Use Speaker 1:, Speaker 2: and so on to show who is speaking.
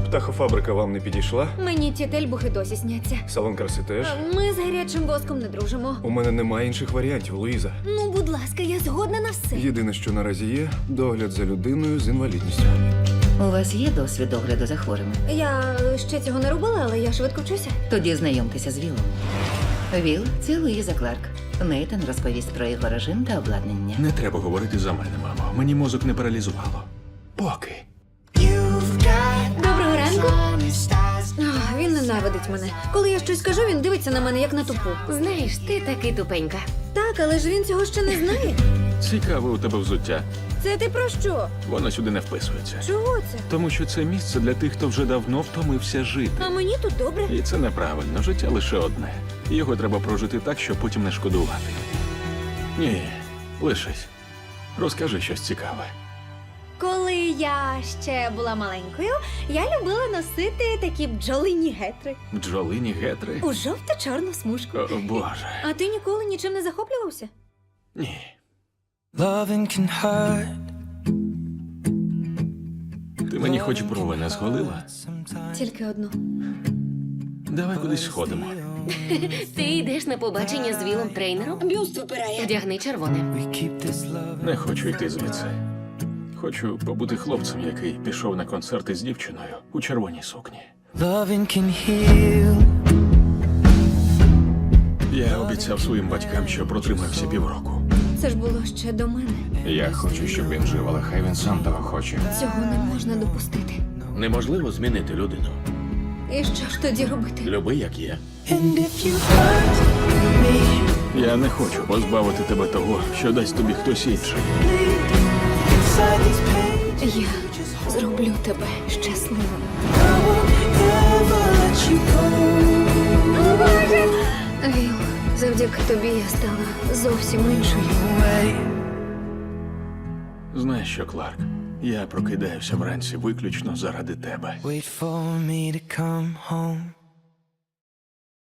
Speaker 1: Птахофабрика вам не підійшла?
Speaker 2: Мені ті тельбухи досі сняться.
Speaker 1: Салон краси теж?
Speaker 2: Ми з гарячим воском не дружимо.
Speaker 1: У мене немає інших варіантів, Луїза.
Speaker 2: Ну, будь ласка, я згодна на все.
Speaker 1: Єдине, що наразі є, догляд за людиною з інвалідністю.
Speaker 3: У вас є досвід догляду за хворими?
Speaker 2: Я ще цього не робила, але я швидко вчуся.
Speaker 3: Тоді знайомтеся з Вілом. Віл – це Луїза Кларк. Нейтан розповість про його режим та обладнання.
Speaker 4: Не треба говорити за мене, мамо. Мені мозок не паралізувало. Поки.
Speaker 2: Доброго ранку. Ах, він ненавидить мене. Коли я щось кажу, він дивиться на мене як на тупу.
Speaker 5: Знаєш, ти таки тупенька.
Speaker 2: Так, але ж він цього ще не знає.
Speaker 4: Цікаве у тебе взуття.
Speaker 2: Це ти про що?
Speaker 4: Воно сюди не вписується.
Speaker 2: Чого це?
Speaker 4: Тому що це місце для тих, хто вже давно втомився жити.
Speaker 2: А мені тут добре.
Speaker 4: І це неправильно. Життя лише одне. Його треба прожити так, щоб потім не шкодувати. Ні, лишись. Розкажи щось цікаве.
Speaker 2: Коли я ще була маленькою, я любила носити такі бджолині гетри
Speaker 4: Бджолині гетри?
Speaker 2: у жовто-чорну смужку.
Speaker 4: О, Боже.
Speaker 2: А ти ніколи нічим не захоплювався?
Speaker 4: Ні.
Speaker 6: Loving can hurt.
Speaker 4: Ти мені хоч брови не зголила?
Speaker 2: Тільки одну.
Speaker 4: Давай кудись сходимо.
Speaker 5: Ти йдеш на побачення з Вілом трейнером? Бюст випирає. Вдягни червоне.
Speaker 6: We keep this love.
Speaker 4: Не хочу йти звідси. Хочу побути хлопцем, який пішов на концерти з дівчиною у червоній сукні.
Speaker 6: Loving can heal.
Speaker 4: Я обіцяв своїм батькам, що протримався півроку.
Speaker 2: Це ж було ще до мене.
Speaker 4: Я хочу, щоб він жив, але хай він сам того хоче.
Speaker 2: Цього не можна допустити.
Speaker 7: Неможливо змінити людину.
Speaker 2: І що ж тоді робити?
Speaker 7: Люби, як є.
Speaker 6: And if you hurt me,
Speaker 4: Я не хочу позбавити тебе того, що дасть тобі хтось інший.
Speaker 6: inside these pages,
Speaker 2: Я зроблю тебе щасливим.
Speaker 6: I won't ever let you go
Speaker 2: Віл, завдяки тобі я стала зовсім іншою.
Speaker 6: away.
Speaker 4: Знаєш що, Кларк? Я прокидаюся вранці виключно заради тебе.
Speaker 6: Wait for me to come home.